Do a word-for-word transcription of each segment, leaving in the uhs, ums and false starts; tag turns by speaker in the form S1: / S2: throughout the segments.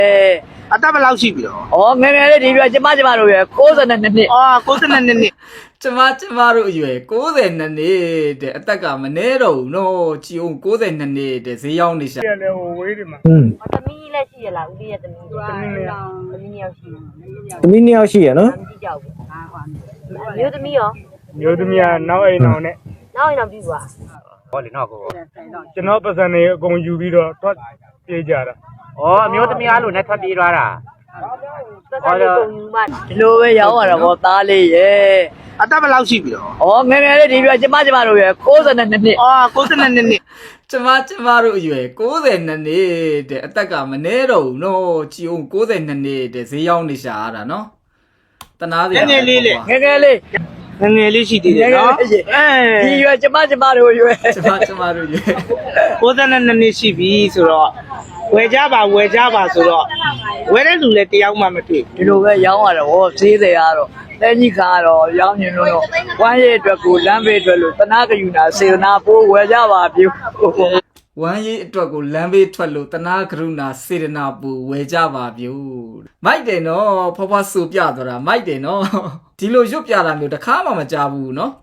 S1: အသက်ဘယ်လောက်ရှိပြီတော့
S2: ဩငယ်ငယ်လေးဒီပြကျမကျမတို့ရကိုးဆယ်နှစ်နှစ်
S1: အော်ကိုစနေနေ့နေ့
S3: ကျမကျမတို့အရွယ်၉၀နှစ်နှစ်တဲ့အသက်ကမနေတော့ဘူးနော်ကြည်အောင်၉၀နှစ်နှစ်တဲ့ဈေးရောက်နေရှာ
S1: ပြန်လဲဟိုဝေးဒီမှာ
S4: อืม
S5: သမီးလည်းရှိရလားဦးလေးရဲ့သမီးသမီးလည်းသမီးရောက်ရှိတယ်
S4: သမီးနှစ်ယောက်ရှိရနော်
S5: မကြည့်ကြောက်ဘူးဟာဟောမျိုးသမီးရော
S1: မျိုးသမီးကနောက်အိမ်အောင်နဲ့
S5: နောက်ရင်တော့ပြီးပါ
S6: ဟောလေနော်ကို
S1: ကျွန်တော်ပတ်စံနေအကုန်ယူပြီးတော့ထွက်ပြေးကြတာ
S6: ဩအမျိုးသမီးအားလို့နဲ့ထွက်ပြေးသွားတာ
S5: သက်သက်လေးကုန်ယူမှ
S2: ဒီလိုပဲရောင်းရတာဗောသားလေးရဲ့
S1: အသက်ဘယ်လောက်ရှိပြီတော့
S2: ဩငယ်ငယ်လေးဒီပြကျမကျမတို့ရကိုးဆယ်နှစ်နှစ်
S1: အော်ကိုစနေနေ့နေ့
S3: ကျမကျမတို့အရွယ်၉၀နှစ်နှစ်တဲ့အသက်ကမနေတော့ဘူးနော်ကြည်အောင်၉၀နှစ်နှစ်တဲ့ဈေးရောက်နေရှာရတာနော်တနာစရာ
S1: ငယ်လေးလေး
S2: ငယ်ငယ်လေး
S1: ငယ်ငယ်လေးရှိသေးတယ်နော်အဲ
S2: ဒီရကျမကျမတို့ရွယ်
S3: ကျမကျမတို့ရွယ်
S1: ကိုစနေနေ့ရှိပြီဆိုတော့ဝယ်ကြပါဝယ်ကြပါဆိုတော့ဝယ်တဲ့လူလည်းတယောက်မှမတွေ့
S2: ဒီလိုပဲရောင်းရတာဗောဈေးတွေကတော့တဲကြီးကတော့ရောင်းနေလို့တော့ဝမ်းရည်အတွက်ကိုလမ်းဘေးအတွက်လို့တနာကယူနာစေနာပိုးဝယ်ကြပါပြု
S3: ဝမ်းရေးအတွက်ကိုလမ်းဘေးထွက်လို့တနာကရုဏာစေတနာပူဝယ်ကြပါပြုမိုက်တယ်နော်ဖွားဖွားဆူပြသွားတာမိုက်တယ်နော်ဒီလိုရွတ်ပြတာမျိုးတစ်ခါမှမကြားဘူးနော်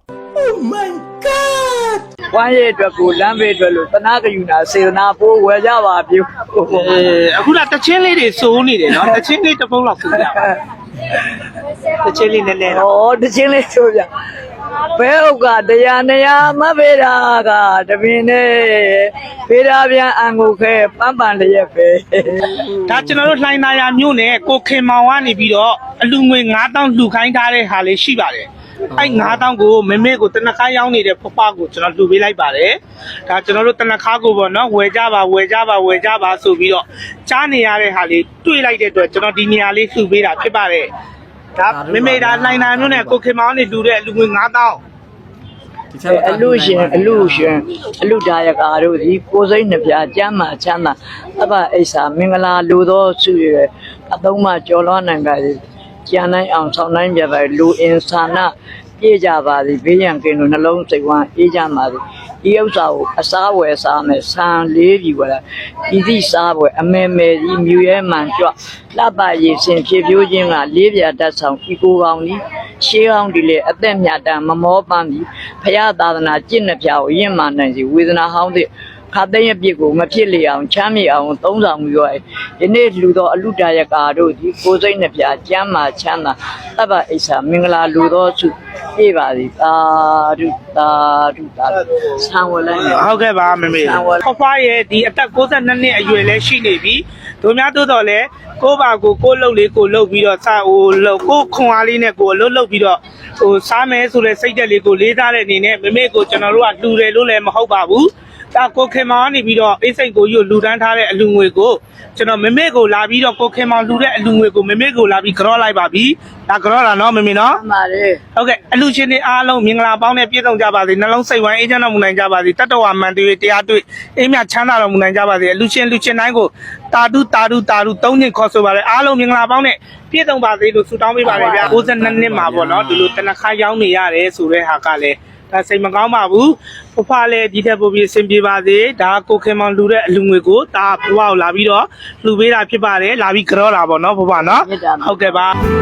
S2: ဝမ်းရည်အတွက်ကိုလမ်းဘေးအတွက်လို့တနာကယူနာစေနာပိုးဝယ်ကြပါပြု
S1: အဲအခုကတချင်းလေးတွေစိုးနေတယ်နော်တချင်းလေးတစ်ပုတ်လောက်စိုးကြတချင်းလေးနည်းနည်း
S2: ဩတချင်းလေးဆိုပြဘဲဥကတရားနေရာမဖေးတာကတပင်နဲ့ဖေးတာပြန်အန်ကိုခဲပန်းပန်လျက်ပဲ
S1: ဒါကျွန်တော်တို့လှိုင်းနာရမြို့နယ်ကိုခင်မောင်ကနေပြီးတော့အလူငွေငါးတောင်းလှူခိုင်းထားတဲ့ဟာလေးရှိပါတယ်အဲ့ငါးတောင်းကိုမမေကိုတနခါရောင်းနေတဲ့ဖဖကိုကျွန်တော်လှူပေးလိုက်ပါတယ်ဒါကျွန်တော်တို့တနခါကိုပေါ့နော်ဝယ်ကြပါဝယ်ကြပါဝယ်ကြပါဆိုပြီးတော့ကြားနေရတဲ့ဟာလေးတွေ့လိုက်တဲ့အတွက်ကျွန်တော်ဒီနေရာလေးလှူပေးတာဖြစ်ပါတယ်ဒါမမေဒါလှိုင်းနာမြို့နယ်ကိုခင်မောင်ကနေလှူတဲ့အလူငွေငါးတောင်း
S3: ဒီချက်
S2: အလူရှင်အလူရှင်အလူဒါယကာတို့ဒီကိုစိမ့်နှပြကျမ်းမာချမ်းသာအဘအိဆာမင်္ဂလာလူသောစုရအသုံးမှကြော်လွှမ်းနိုင်ပါသည်ကျန်နိုင်အောင်ဆောင်နိုင်ပြပါလူအင်ဆာနာပြေကြပါသည်ဘေးရန်ကင်းတို့နှလုံးစိတ်ဝမ်းအေးကြပါသည်ဒီဥစ္စာကိုအစားဝယ်စားမယ်ဆန်လေးပြီဝယ်လာဤသည့်စားပွဲအမေမေဒီမြူရဲမှန်ကြွလှပရည်စင်ဖြစ်ပြိုးခြင်းကလေးပြတတ်ဆောင်ဤကိုကောင်းသည်ရှေးကောင်းဒီလေအသက်မြတ်တမ်းမမောပန်းသည်ဖရာသာသနာကျင့်နှပြကိုရင့်မာနိုင်စီဝေဒနာဟောင်းသည့်ခါတဲ့ရပြစ်ကိုမဖြစ်လေအောင်ချမ်းမြေအောင်သုံးဆောင်ပြီးတော့ဒီနေ့လူတော်အလူတရကာတို့ဒီကိုစိတ်နှပြကျမ်းမာချမ်းသာတပ္ပအိဆာမင်္ဂလာလူတော်စုပြေပါသည်သာဓုသာဓုသာဆံဝလိုက်မယ်
S1: ဟုတ်ကဲ့ပါမမေဖဖရဲ့ဒီအသက်ကိုးဆယ်နှစ်နှစ်အရွယ်လည်းရှိနေပြီတို့များတို့တော့လဲကိုပါကိုကိုလှုပ်လေးကိုလှုပ်ပြီးတော့စာဟိုလှုပ်ကိုခွန်အားလေးနဲ့ကိုလှုပ်လှုပ်ပြီးတော့ဟိုစားမယ်ဆိုတဲ့စိတ်သက်လေးကိုလေးစားတဲ့အနေနဲ့မမေကိုကျွန်တော်တို့ကလှူတယ်လို့လည်းမဟုတ်ပါဘူးဒါကိုခင်မောင်ကနေပြီးတော့အိတ်စိတ်ကိုယူလှူဒန်းထားတဲ့အလူငွေကိုကျွန်တော်မမေကိုလာပြီးတော့ကိုခင်မောင်လှူတဲ့အလူငွေကိုမမေကိုလာပြီးကြောလိုက်ပါပြီဒါကြောလာနော်မမေနော်
S2: မှန်ပါတယ်
S1: ဟုတ်ကဲ့အလူချင်းတွေအားလုံးမင်္ဂလာပေါင်းနဲ့ပြည့်စုံကြပါစေနှလုံးစိတ်ဝမ်းအေးချမ်းတော်မူနိုင်ကြပါစေတတ္တဝါမှန်တွေတရားတွေ့အေးမြချမ်းသာတော်မူနိုင်ကြပါစေအလူချင်းလူချင်းတိုင်းကိုတာတုတာတုတာတုသုံးညင်ခေါ်ဆိုပါရစေအားလုံးမင်္ဂလာပေါင်းနဲ့ပြည့်စုံပါစေလို့ဆုတောင်းပေးပါရစေဗျာကိုးဆယ်နှစ်နှစ်မှာပေါ့နော်ဒီလိုတနခါရောက်နေရတယ်ဆိုတဲ့ဟာကလည်းဒါစိတ်မကောင်းပါဘူးဖဖလည်းဒီထက်ပိုပြီးအဆင်ပြေပါစေဒါကိုခင်မောင်လှူတဲ့အလူငွေကိုဒါဖဖကိုလာပြီးတော့လှူပေးတာဖြစ်ပါတယ်လာပြီးကြောတာပေါ့နော်ဖဖနော်ဟုတ်ကဲ့ပါ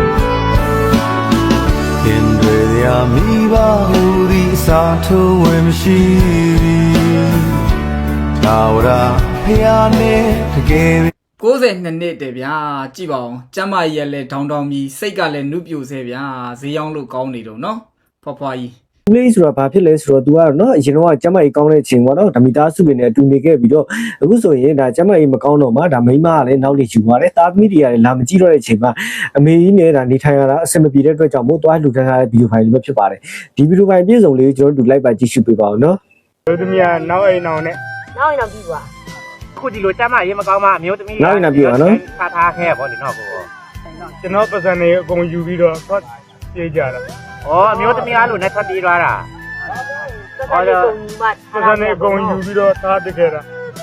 S7: ခင်တွေရာမိဘဟူသည်စာထုံးဝင်မရှိသာဝရဖျားနေတကယ်
S3: ၉၀နှစ်နှစ်တဲ့ဗျာကြည့်ပါဦးကျမ်းမာကြီးလည်းဒေါင်းတောင်းပြီးစိတ်ကလည်းနုပြိုဆဲဗျာဈေးရောက်လို့ကောင်းနေတော့နော်ဖွားဖွားကြီး
S4: ဦးလေးဆိုတာဘာဖြစ်လဲဆိုတော့ तू ကတော့เนาะအရင်တော့ကျမကြီးကောင်းတဲ့အချိန်ပေါ့နော်ဓမီသားစုပင်နဲ့အတူနေခဲ့ပြီးတော့အခုဆိုရင်ဒါကျမကြီးမကောင်းတော့မှဒါမိန်းမကလည်းနောက်နေယူသွားတယ်တာသမီတွေကလည်းလာမကြည့်တော့တဲ့အချိန်မှာအမေကြီးနဲ့ဒါနေထိုင်ရတာအဆင်မပြေတဲ့အတွက်ကြောင့်မို့သွားလှူဒန်းထားတဲ့ဗီဒီယိုဖိုင်လေးပဲဖြစ်ပါတယ်ဒီဗီဒီယိုဖိုင်ပြည့်စုံလေးကိုကျွန်တော်တို့လိုက်ပါကြည့်ရှုပေးပါဦးเนาะ
S1: တို့သမီးကနောက်အိမ်အောင်နဲ့
S5: နောက်ရင်တော့ပြီးပါ
S6: ခုဒီလိုကျမ်းမာရေးမကောင်းမှအမျိုးသမီးထားထားခဲ့ဗောလေနော်ကို
S1: ကျွန်တော်ပတ်စံနေအကုန်ယူပြီးတော့ထွက်ပြေးကြတာ
S6: ဩအမျိုးသမီးအားလို့နဲ့ထွက်ပြေးသွားတာ
S5: သက်သက်လေးကုန်ယူမှ
S1: ပတ်စံနေအကုန်ယူပြီးတော့ထားတခဲ့တာ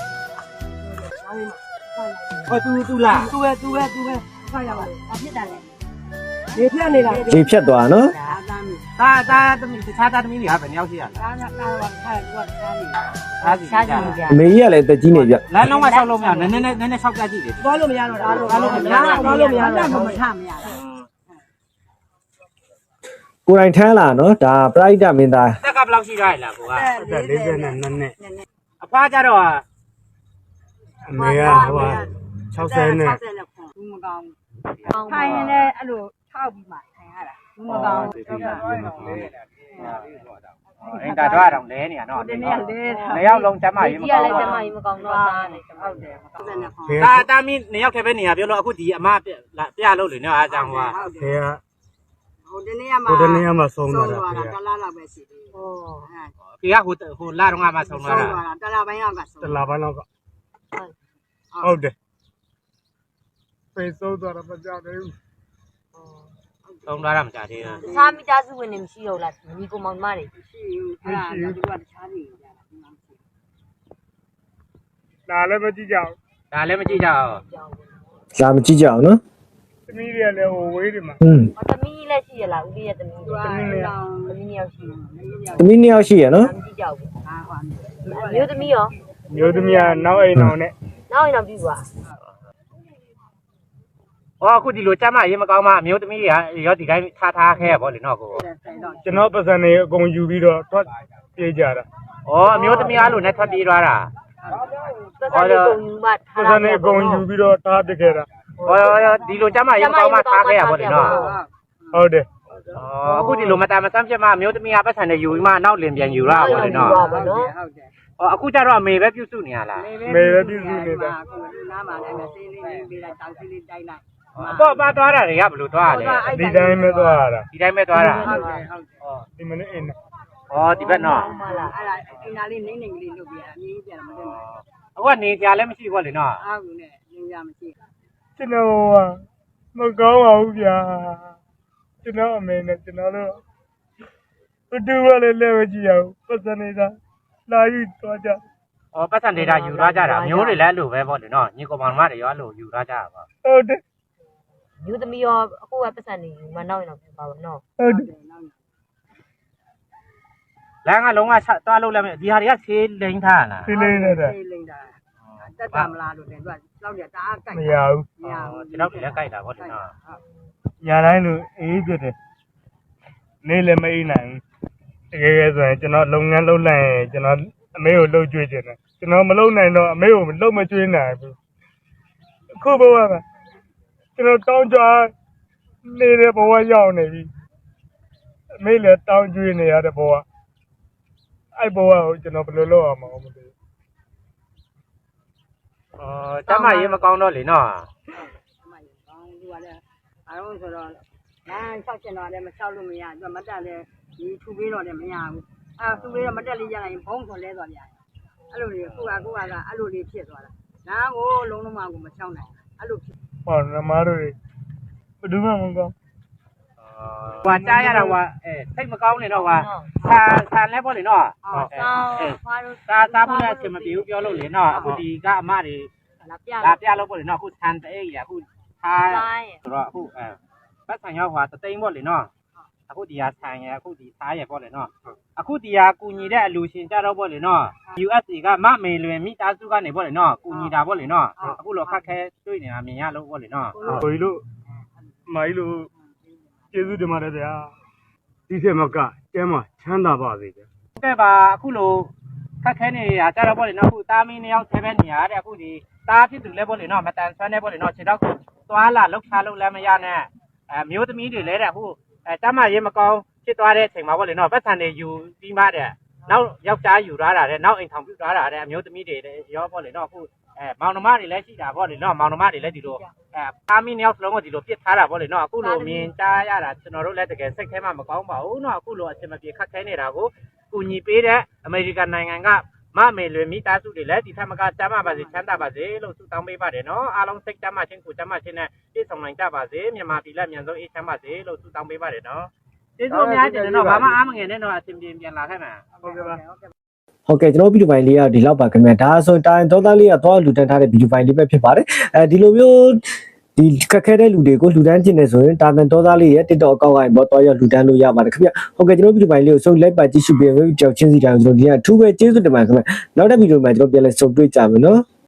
S6: ဟောသူသူလား
S5: သူပဲသူပဲသူပဲဖတ်ရပါဘာဖြစ်တာလဲနေပြနေတာ
S4: ရေဖြတ်သွားเนาะ
S5: ဒါတမ်းပြီ
S6: တာတာသမီးတခြားတာသမီးတွေကဘယ်နှယောက်ရှိရလဲ
S5: ဒါကကာဝခိုင်ကတမ်းပြီ
S6: အားစီ
S5: ရှား
S6: ကြ
S5: ကြ
S6: တယ်
S5: ည့်ကြ
S4: အမေကြီးကလည်းတက်ကြီးနေပြ
S6: လမ်းလုံးကဆောက်လို့မရနည်းနည်းနည်းနည်းဆောက်ပြကြည့်တယ်
S5: သွားလို့မရတော့တာသွားလို့မရတော့သွားလို့မရတော့မထမရတော့
S4: ကိုယ်တိုင်ထမ်းလာနော်ဒါပရိုက်တာမင်းသား
S6: တက်ကဘယ်လောက်ရှိရလဲကိုက
S5: လေးဆယ်နဲ့နှစ်နှစ်
S6: အဖွားကြတော့
S5: အမေကဟို60နဲ့ဘူးမကောင်းခိုင်ရင်လည်းအဲ့လိုထောက်ပြီးမှခိုင်ရတာဘူးမကောင်း
S6: အင်းဒါတော့တော့လဲနေရနော်
S5: ဒီနေ့လေး
S6: နှစ်ယောက်လုံးကျမကြီးမ
S5: ကြီးရ
S6: ကောင်း
S5: လဲကျ
S6: ဘူး
S5: မကြီးမကောင်းတော့တာလေဟုတ်တယ်ဟုတ်တယ်
S6: တာတာမီနှစ်ယောက်ထဲပဲနေရပြောလို့အခုဒီအမပြပြလို့လေနော်အားကြောင့်ဟို
S5: ဖေကဟိုဒီနေ့ကမှ
S8: ဟိုတနေ့ကမှဆုံးသွားတာ
S5: ဆုံး
S8: ဖေ
S5: သွားတာတလားလောက်ပဲရှိသေးဟို
S6: ဒီကဟိုဟိုလာတော့ငါမှဆုံး
S5: ဆုံး
S6: သွား
S5: သွား
S6: တာ
S5: တာတလားပိုင်းလောက်ကဆုံး
S8: တလာပိုင်းလောက်ကဟုတ်တယ်ဖေဆုံးသွားတာမကြောက်သေးဘူး
S6: ဆုံးသွားတာမကြသေးဘူး
S5: တခြားမိသားစုဝင်တွေမရှိတော့လားညီကိုမောင်မတွေရှိဘူးအဲ့ဒါကသူကတခြားနေကြတာ
S8: ဒါလည်းမကြည့်ကြဘူး
S6: ဒါလည်းမကြည့်ကြအောင်
S4: လာမကြည့်ကြအောင်နော်
S8: သမီးတွေကလည်းဟိုဝေးတယ်မှာ
S4: อืม
S5: ။သမီးလည်းရှိရလားဦးလေးရဲ့သမီး။သမီးလည်းသမီးယောက်ရှိတယ်။
S4: သမီးနှစ်ယောက်ရှိရနော်
S5: မကြည့်ကြဘူး။ဟာဟော။မျိုးသမီးရော
S8: မျိုးသမီးကနောက်အိမ်အောင်နဲ့
S5: နောက်ရင်တော့ပြီးသွား
S6: ဟောအခုဒီလိုကျမရေးမကောင်းမှအမျိုးသမီးတွေကရောဒီတိုင်းထားထားခဲ့ရပေါ့လေနော်ကို
S8: ကျွန်တော်ပတ်စံတွေအကုန်ယူပြီးတော့ထွက်ပြေးကြတာ
S6: ဩအမျိုးသမီးအားလို့နဲ့ထွက်ပြေးသွားတာ
S5: ။သက်ဆိုင်ကုန်ယူမှထား
S8: ပတ်စံတွေအကုန်ယူပြီးတော့ထားပစ်ခဲ့တာ
S6: ဟောဒီလိုကျမရေးမကောင်းမှထားခဲ့ရပေါ့လေနော်
S8: ဟုတ်တယ်
S6: ဩအခုဒီလိုမတမဆန်းဖြစ်မှအမျိုးသမီးကပတ်စံတွေယူပြီးမှနောက်လင်ပြန်ယူရပါလေနော်
S5: ဟုတ်တယ်ဟုတ်တယ်
S6: ဩအခုကျတော့အမေပဲပြုစုနေရလား
S8: မေပဲပြုစုနေတာ
S5: အခုနားမှာလည်းဆေးလေးပေးလိုက်တောင်ဆေးလေးတိုက်လိုက်
S6: အပေါ့ပါသွားတာတွေကဘယ်လိုသွားရလဲ
S8: ဒီတိုင်းပဲသွားရတာ
S6: ဒီတိုင်းပဲသွားတာ
S5: ဟုတ်တယ်ဟုတ်တယ်
S8: ဒီမနေ့အိမ်
S6: ဩဒီဘက်နော်
S5: ဟုတ်လားအဲ့ဒါအင်နာလေးနေနေကလေးလုပ်ပြရအမြင်ပြန်မတင်ဘူး
S6: အခုကနေကြလည်းမရှိဘူးလေနော်
S5: အားကူနဲ့ညင်ကြမရှိ
S8: ကျွန်တော်ကမကောင်းပါဘူးဗျာကျွန်တော်အမေနဲ့ကျွန်တော်တို့ဘတူကလည်းလည်းမကြည့်ရဘူးပတ်စံနေတာလာယူသွားကြ
S6: ဩပတ်စံဒေတာယူသွားကြတာမျိုးတွေလည်းအဲ့လိုပဲပေါ့လေနော်ညီကောင်မောင်မတွေရောအဲ့လိုယူသွားကြတာပါ
S8: ဟုတ်တယ်
S5: မျိုးသမီးရောအခုကပတ်စံနေယူမနောက်ရင်တော့ပြပါဘူးနော်
S8: ဟုတ်တယ်
S6: လမ်းကလုံးဝသွားလို့လည်းမဒီဟာတွေကဆေးလိမ့်ထားလား
S8: ဒီလေးနဲ့တဲ့
S5: ဆေးလိမ့်တာတက်တာမလားလို့တယ်သူကလောက်ရတာအားကြိုက်
S8: မရဘူး
S5: မရဘူး
S6: ဒီတော့လည်းကြိုက်တာပေါ့လေနော်
S8: ညာတိုင်းလိုအေးပြတယ်နေလည်းမအေးနိုင်ဘူးတကယ်ကဲဆိုရင်ကျွန်တော်လုပ်ငန်းလုပ်လိုက်ရင်ကျွန်တော်အမေကိုလှုပ်ကြွေးခြင်းတယ်ကျွန်တော်မလုပ်နိုင်တော့အမေကိုလှုပ်မကြွေးနိုင်ဘူးအခုဘဝကကျွန်တော်တောင်းကြနေတဲ့ဘဝရောက်နေပြီအမေလည်းတောင်းကြွေးနေရတဲ့ဘဝအဲ့ဘဝကိုကျွန်တော်ဘယ်လိုလုပ်အောင်မသိဘူး
S6: ဩကျမရေးမကောင်းတော့လေနော်
S5: အမကြီးကောင်းသူကလည်းအားလုံးဆိုတော့လမ်းလျှောက်ချင်တော့လည်းမလျှောက်လို့မရသူကမတက်လည်းဒီထူပေးတော့လည်းမရဘူးအဲထူပေးတော့မတက်လေးရရင်ဘုံဆိုလဲသွားပြန်အဲ့လိုလေးခုကခုကကအဲ့လိုလေးဖြစ်သွားတာလမ်းကိုလုံးလုံးမကိုမလျှောက်နိုင်အဲ့လိုဖြစ်
S8: ဟောနမတို့ဘယ်သူမှမကောင်း
S6: ဟွာကြားရတာဟွာအဲစိတ်မကောင်းနေတော့ဟွာဆာဆာလဲပေါ့လေနော်
S5: အော်ဆောင်းဖားလို့
S6: သာသာဖို့လည်းအချိန်မပြေဘူးပြောလို့လေနော်အခုဒီကအမတွေ
S5: လာပြ
S6: လာပြလို့ပေါ့လေနော်အခုဆန်တဲ့ကြီးအခုထား
S5: တိုင်း
S6: ဆိုတော့အခုအဲပတ်ဆံရောက်ဟွာတသိန်းပေါ့လေနော်အခုဒီဟာဆန်ရအခုဒီသားရပေါ့လေနော်အခုဒီဟာကူညီတဲ့အလူရှင်ကြတော့ပေါ့လေနော် ယူ အက်စ် အေ ကမမေလွင်မိသားစုကနေပေါ့လေနော်ကူညီတာပေါ့လေနော်အခုလောခက်ခဲတွေ့နေတာမြင်ရလို့ပေါ့လေနော်
S8: ကိုကြီးတို့မကြီးတို့ကျေးဇူးတင်ပါတယ်ဗျာဒီထက်မကကျမ်းမှာချမ်းသာပါစေဗျာ
S6: ကဲပါအခုလိုခက်ခဲနေတာကြတော့ပေါ့လေနော်အခုတာမီနှစ်ယောက်ဆဲပဲနေရတဲ့အခုဒီတားဖြစ်သူလဲပေါ့လေနော်မတန်ဆွမ်းနေပေါ့လေနော်ခြေတော့သွားလာလှုပ်ရှားလို့လည်းမရနဲ့အဲမျိုးသမီးတွေလဲတဲ့အခုအဲတမရေးမကောင်းဖြစ်သွားတဲ့အချိန်မှာပေါ့လေနော်ပတ်စံတွေယူပြီးမှတဲ့နောက်ယောက်ျားယူသွားတာတဲ့နောက်အိမ်ထောင်ပြုသွားတာတဲ့အမျိုးသမီးတွေရောပေါ့လေနော်အခုအဲမောင်နှမတွေလည်းရှိတာပေါ့လေနော်မောင်နှမတွေလည်းဒီလိုအဲတာမီနှစ်ယောက်စလုံးကိုဒီလိုပြစ်ထားတာပေါ့လေနော်အခုလိုမြင်ကြားရတာကျွန်တော်တို့လည်းတကယ်စိတ်ထဲမှာမကောင်းပါဘူးနော်အခုလိုအချိန်မပြေခက်ခဲနေတာကိုကူညီပေးတဲ့အမေရိကန်နိုင်ငံကမမေလွေမိသားစုတွေလည်းဒီထက်မကကျမ်းမာပါစေချမ်းသာပါစေလို့ဆုတောင်းပေးပါတယ်နော်အားလုံးစိတ်ကျမ်းမာခြင်းကိုကျမ်းမာခြင်းနဲ့ပြည့်စုံနိုင်ကြပါစေမြန်မာပြည်လက်မြန်ဆုံးအေးချမ်းပါစေလို့ဆုတောင်းပေးပါတယ်နော်ကျေးဇူးအများကြီးတင်တော့ဘာမှအားမငယ်နဲ့တော့အစဉ်ပြေပြန်လာခဲ့မှာ
S8: ဟုတ်ကဲ့ပါ
S4: ဟုတ်ကဲ့ကျွန်တော်ဗီဒီယိုဖိုင်လေးကဒီလောက်ပါခင်ဗျာဒါဆိုတိုင်းသောသားလေးကသွားလူတန်းထားတဲ့ဗီဒီယိုဖိုင်လေးပဲဖြစ်ပါတယ်အဲဒီလိုမျိုးဒီခက်ခဲတဲ့လူတွေကိုလူတန်းကျင်နေဆိုရင်တာတန်တော်သားလေးရဲ့ TikTok အကောင့်ကနေပေါ်တော့ရလူတန်းလို့ရပါတယ်ခင်ဗျဟုတ်ကဲ့ကျွန်တော်ဗီဒီယိုပိုင်းလေးကိုဆုံးလိုက်ပါကြည့်ရှုပေးပြီးကြောက်ချင်းစီတိုင်းကျွန်တော်ဒီကအထူးပဲကျေးဇူးတင်ပါတယ်ခင်ဗျနောက်တဲ့ဗီဒီယိုမှာကျွန်တော်ပြန်လည်ဆုံတွေ့ကြမယ်နော်